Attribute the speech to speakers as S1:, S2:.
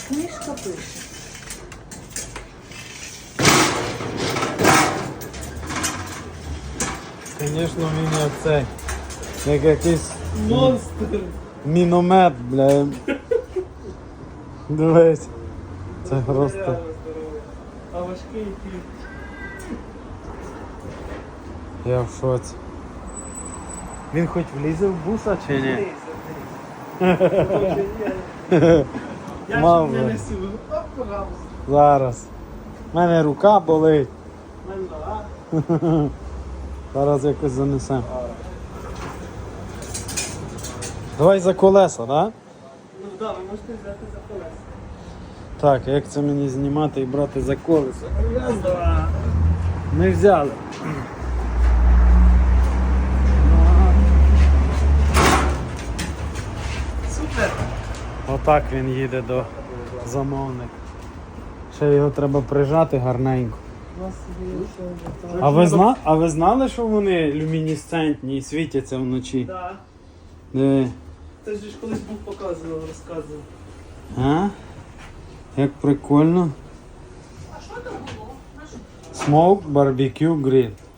S1: Книжка пише.
S2: Звісно, він як цей. Як якийсь
S3: Монстр.
S2: міномет, бля. Дивись. Це просто.
S3: Реально здоровий. А важкий який.
S2: Я в шоці. Він хоч влізе в буса чи ні?
S3: Я
S2: Мав
S3: ж не
S2: би.
S3: несу. Оп, пожалуйста.
S2: Зараз. У мене рука болить.
S3: Мене,
S2: Зараз якось занесемо. Давай за колеса, так? Да?
S3: Ну так, ви можете взяти за колеса.
S2: Так, як це мені знімати і брати за колеса? Раз, два. Ми взяли.
S3: Супер.
S2: Отак він їде до замовника. Ще його треба прижати гарненько.
S3: У нас є ще
S2: А ви знали, що вони люмінесцентні і світяться вночі?
S3: Так.
S2: Диви.
S3: Це ж колись був показував, розказував.
S2: А? Як прикольно. Smoke Barbecue Grill.